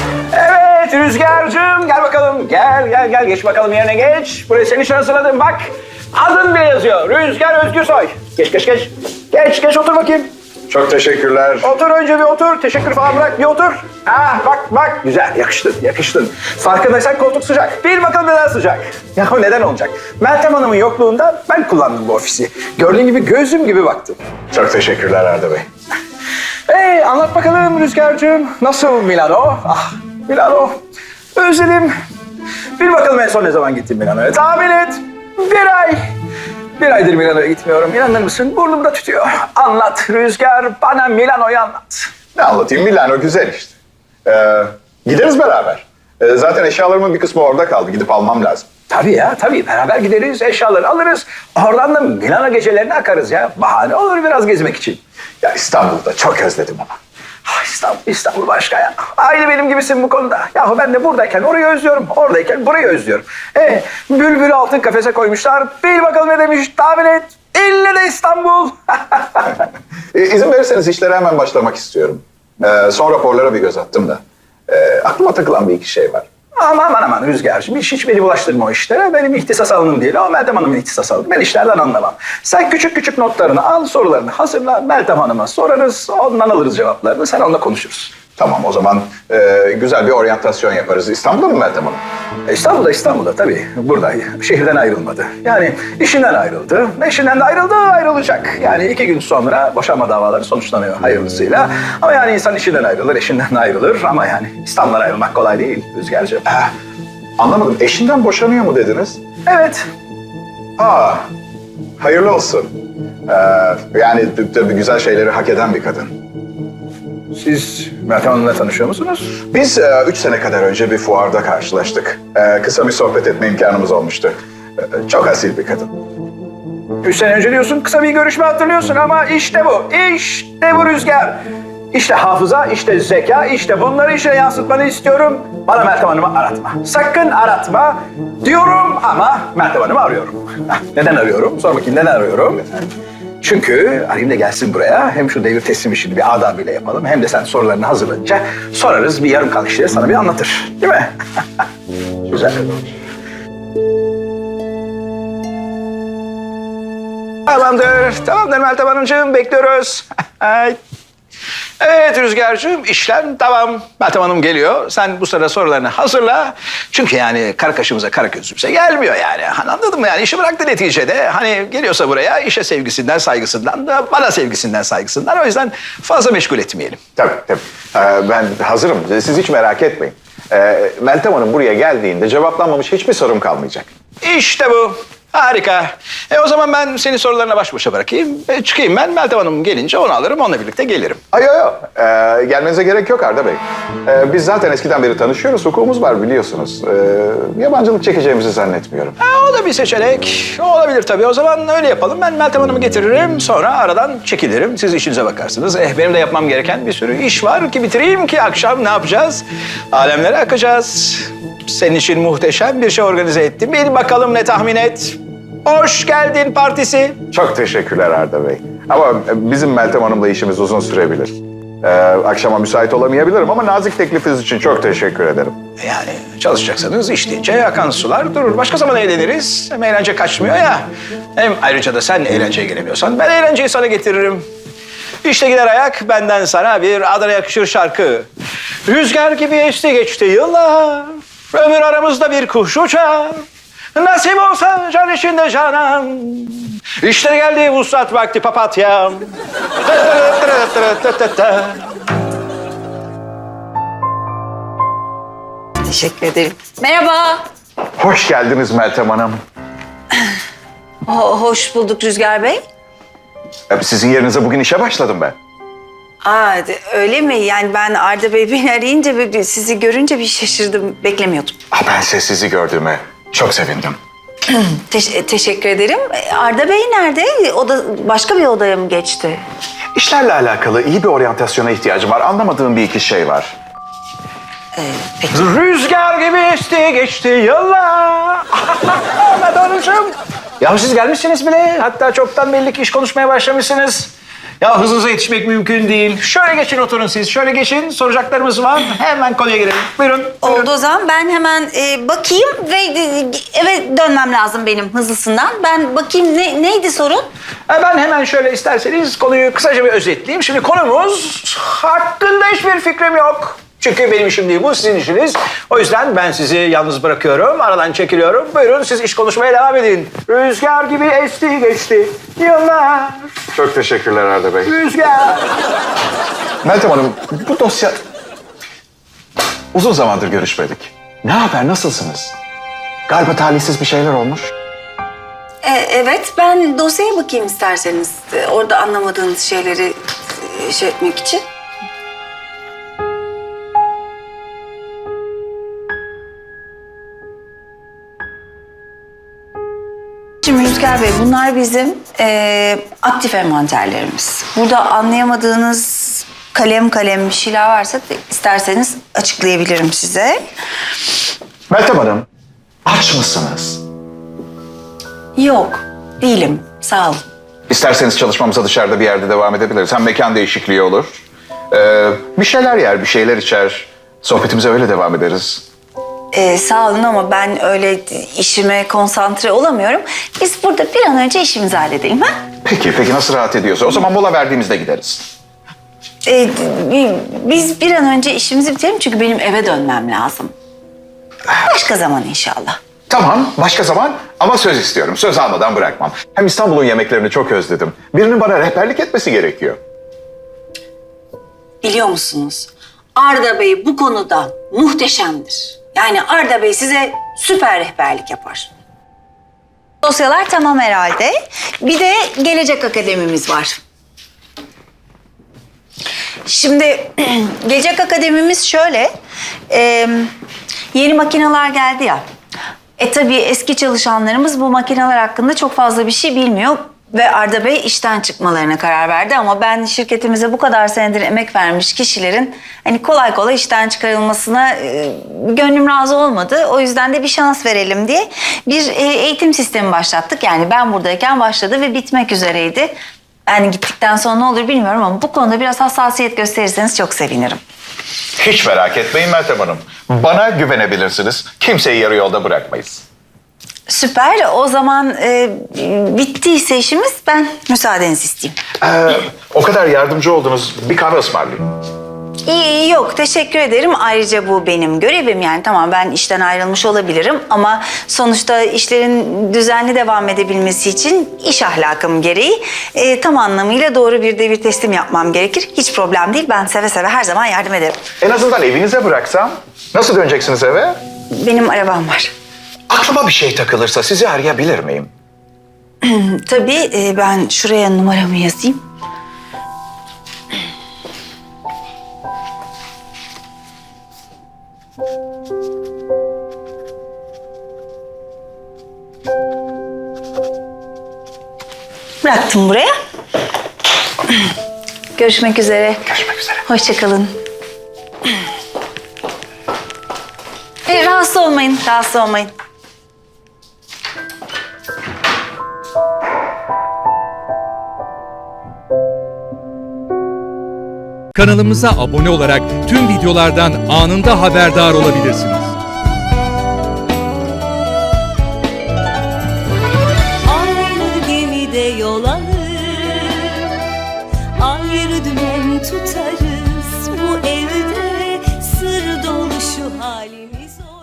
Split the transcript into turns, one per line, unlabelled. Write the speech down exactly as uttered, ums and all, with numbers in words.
Evet Rüzgar'cığım gel bakalım. Gel gel gel geç bakalım yerine geç. Buraya senin için hazırladım bak. Adın bile yazıyor. Rüzgar Özgürsoy. Geç geç geç. Geç geç otur bakayım.
Çok teşekkürler.
Otur önce bir otur. Teşekkür falan bırak bir otur. Ah bak bak güzel yakıştın yakıştın. Farkındaysan koltuk sıcak. Bir bakalım neden sıcak. Ya neden olacak? Meltem Hanım'ın yokluğunda ben kullandım bu ofisi. Gördüğün gibi gözüm gibi baktım.
Çok teşekkürler Arda Bey.
Ee, anlat bakalım Rüzgar'cığım. Nasıl Milano? Ah Milano. Özledim. Bir bakalım en son ne zaman gittin Milano'ya? Tahmin et. Bir ay. Bir aydır Milano'ya gitmiyorum. İnanır mısın? Burnumda tütüyor. Anlat Rüzgar. Bana Milano'yu anlat.
Ne anlatayım? Milano güzel işte. Ee, gideriz beraber. Ee, zaten eşyalarımın bir kısmı orada kaldı. Gidip almam lazım.
Tabii ya tabii. Beraber gideriz, eşyaları alırız. Oradan da Milano gecelerine akarız ya. Bahane olur biraz gezmek için.
Ya İstanbul'da çok özledim ama.
Ah, İstanbul, İstanbul başka ya. Aynı benim gibisin bu konuda. Yahu ben de buradayken orayı özlüyorum, oradayken burayı özlüyorum. Ee, bülbülü altın kafese koymuşlar. Bil bakalım ne demiş, tahmin et. İlle de İstanbul.
Ee, izin verirseniz işlere hemen başlamak istiyorum. Ee, son raporlara bir göz attım da. Ee, aklıma takılan bir iki şey var.
Aman aman aman Rüzgar'cığım hiç, hiç beni bulaştırma o işlere. Benim ihtisas alanım değil o Meltem Hanım'ın ihtisas alanı. Ben işlerden anlamam. Sen küçük küçük notlarını al, sorularını hazırla. Meltem Hanım'a sorarız, ondan alırız cevaplarını. Sen onunla konuşuruz.
Tamam o zaman e, güzel bir oryantasyon yaparız. İstanbul'da mı Meltem Hanım?
E, İstanbul'da İstanbul'da tabii. Burada şehirden ayrılmadı. Yani işinden ayrıldı. Eşinden de ayrıldı, ayrılacak. Yani iki gün sonra boşanma davaları sonuçlanıyor hayırlısıyla. Ama yani insan işinden ayrılır, eşinden de ayrılır. Ama yani İstanbul'dan ayrılmak kolay değil Rüzgar'cığım.
Ha, anlamadım. Eşinden boşanıyor mu dediniz?
Evet.
Aa, hayırlı olsun. Ee, yani tabii güzel şeyleri hak eden bir kadın.
Siz Meltem Hanım'la tanışıyor musunuz?
Biz e, üç sene kadar önce bir fuarda karşılaştık. E, kısa bir sohbet etme imkanımız olmuştu. E, çok asil bir kadın.
Üç sene önce diyorsun, kısa bir görüşme hatırlıyorsun ama işte bu, işte bu Rüzgar. İşte hafıza, işte zeka, işte bunları işe yansıtmanı istiyorum. Bana Meltem Hanım'ı aratma. Sakın aratma diyorum ama Meltem Hanım'ı arıyorum. Neden arıyorum? Sor bakayım neden arıyorum? Çünkü arayayım da gelsin buraya. Hem şu devir teslim işini bir adabıyla yapalım. Hem de sen sorularını hazırlayınca sorarız. Bir yarım kalan işleri sana bir anlatır. Değil mi? Güzel. Tamamdır. Tamamdır Meltem Hanımcığım. Bekliyoruz. Evet Rüzgar'cığım işlem tamam. Meltem Hanım geliyor. Sen bu sırada sorularını hazırla. Çünkü yani kara kaşımıza kara gözümüze gelmiyor yani. Hani anladın mı yani işi bıraktı neticede. Hani geliyorsa buraya işe sevgisinden saygısından da bana sevgisinden saygısından. O yüzden fazla meşgul etmeyelim.
Tabii tabii. Ee, ben hazırım. Siz hiç merak etmeyin. Ee, Meltem Hanım buraya geldiğinde cevaplanmamış hiçbir sorum kalmayacak.
İşte bu. Harika. E o zaman ben senin sorularına baş başa bırakayım. E, çıkayım ben. Meltem Hanım gelince onu alırım. Onunla birlikte gelirim.
Ay yok yok. Ee, gelmenize gerek yok Arda Bey. Ee, biz zaten eskiden beri tanışıyoruz. Hukukumuz var biliyorsunuz. Ee, yabancılık çekeceğimizi zannetmiyorum.
Ha, o da bir seçenek. O olabilir tabii. O zaman öyle yapalım. Ben Meltem Hanım'ı getiririm. Sonra aradan çekilirim. Siz işinize bakarsınız. Eh, benim de yapmam gereken bir sürü iş var ki bitireyim ki akşam ne yapacağız? Alemlere akacağız. Senin için muhteşem bir şey organize ettim. Bir bakalım ne tahmin et. Hoş geldin partisi.
Çok teşekkürler Arda Bey. Ama bizim Meltem Hanım'la işimiz uzun sürebilir. Ee, akşama müsait olamayabilirim ama nazik teklifiniz için çok teşekkür ederim.
Yani çalışacaksanız iş deyince akan sular durur. Başka zaman eğleniriz. Hem eğlence kaçmıyor ya. Hem ayrıca da sen eğlenceye gelemiyorsan ben eğlenceyi sana getiririm. İşte gider ayak benden sana bir Adana yakışır şarkı. Rüzgar gibi esti geçti yıllar. Ömür aramızda bir kuş uçar. Nasip olsa can içinde canan. İşte geldi vuslat vakti papatyam.
Teşekkür ederim. Merhaba.
Hoş geldiniz Meltem Hanım.
Ho- hoş bulduk Rüzgar Bey.
Ee, Sizin yerinize bugün işe başladım ben.
Aa, de- öyle mi? Yani ben Arda Bey beni arayınca bir- bir- sizi görünce bir şaşırdım. Beklemiyordum.
Ah, ben size sizi gördüğüme çok sevindim.
Teş- teşekkür ederim. E, Arda Bey nerede? O da başka bir odaya mı geçti?
İşlerle alakalı iyi bir oryantasyona ihtiyacım var. Anlamadığım bir iki şey var.
Ee, peki.
Rüzgar gibi esti geçti yıllar. Ahmet Hanımcığım. Ya siz gelmişsiniz bile. Hatta çoktan belli ki iş konuşmaya başlamışsınız. Ya hızınıza yetişmek mümkün değil. Şöyle geçin oturun siz. Şöyle geçin. Soracaklarımız var. Hemen konuya girelim. Buyurun. buyurun.
Oldu o zaman ben hemen e, bakayım ve e, eve dönmem lazım benim hızlısından. Ben bakayım ne, neydi sorun?
Ha, Ben hemen şöyle isterseniz konuyu kısaca bir özetleyeyim. Şimdi konumuz hakkında hiçbir fikrim yok. Çünkü benim işim değil bu, sizin işiniz. O yüzden ben sizi yalnız bırakıyorum, aradan çekiliyorum. Buyurun siz iş konuşmaya devam edin. Rüzgar gibi esti geçti yıllar.
Çok teşekkürler Arda Bey.
Rüzgar.
Meltem Hanım, bu dosya... Uzun zamandır görüşmedik. Ne haber, nasılsınız? Galiba talihsiz bir şeyler olmuş.
E, evet ben dosyaya bakayım isterseniz. E, orada anlamadığınız şeyleri e, şey etmek için. Şimdi Rüzgar Bey, bunlar bizim e, aktif envanterlerimiz. Burada anlayamadığınız kalem kalem bir şeyler varsa da isterseniz açıklayabilirim size.
Meltem Hanım, aç mısınız?
Yok, değilim. Sağ olun.
İsterseniz çalışmamıza dışarıda bir yerde devam edebiliriz. Hem mekan değişikliği olur. Ee, bir şeyler yer, bir şeyler içer. Sohbetimize öyle devam ederiz.
Ee, sağ olun ama ben öyle işime konsantre olamıyorum. Biz burada bir an önce işimizi halledelim ha?
Peki, peki nasıl rahat ediyorsa. O zaman mola verdiğimizde gideriz.
Ee, bi- biz bir an önce işimizi bitirelim çünkü benim eve dönmem lazım. Başka zaman inşallah.
Tamam, başka zaman ama söz istiyorum. Söz almadan bırakmam. Hem İstanbul'un yemeklerini çok özledim. Birinin bana rehberlik etmesi gerekiyor.
Biliyor musunuz? Arda Bey bu konuda muhteşemdir. Yani Arda Bey size süper rehberlik yapar. Dosyalar tamam herhalde. Bir de Gelecek Akademimiz var. Şimdi Gelecek Akademimiz şöyle, e, yeni makineler geldi ya. E tabii eski çalışanlarımız bu makineler hakkında çok fazla bir şey bilmiyor. Ve Arda Bey işten çıkmalarına karar verdi ama ben şirketimize bu kadar senedir emek vermiş kişilerin hani kolay kolay işten çıkarılmasına e, gönlüm razı olmadı. O yüzden de bir şans verelim diye bir e, eğitim sistemi başlattık. Yani ben buradayken başladı ve bitmek üzereydi. Yani gittikten sonra ne olur bilmiyorum ama bu konuda biraz hassasiyet gösterirseniz çok sevinirim.
Hiç merak etmeyin Meltem Hanım. Bana güvenebilirsiniz. Kimseyi yarı yolda bırakmayız.
Süper. O zaman e, bittiyse işimiz ben müsaadenizi isteyeyim.
Ee, o kadar yardımcı oldunuz. Bir kahve ısmarlayayım.
İyi, yok teşekkür ederim. Ayrıca bu benim görevim yani tamam ben işten ayrılmış olabilirim ama sonuçta işlerin düzenli devam edebilmesi için iş ahlakım gereği e, tam anlamıyla doğru bir devir teslim yapmam gerekir. Hiç problem değil. Ben seve seve her zaman yardım ederim.
En azından evinize bıraksam. Nasıl döneceksiniz eve?
Benim arabam var.
Aklıma bir şey takılırsa sizi arayabilir miyim?
Tabii e, ben şuraya numaramı yazayım. Bıraktım buraya. Görüşmek üzere.
Görüşmek üzere.
Hoşça kalın. E, rahatsız olmayın, rahatsız olmayın.
Kanalımıza abone olarak tüm videolardan anında haberdar olabilirsiniz.
Aynı gemide yol alır, ayrı dümen tutarız. Bu evde sır dolu şu halimiz olur.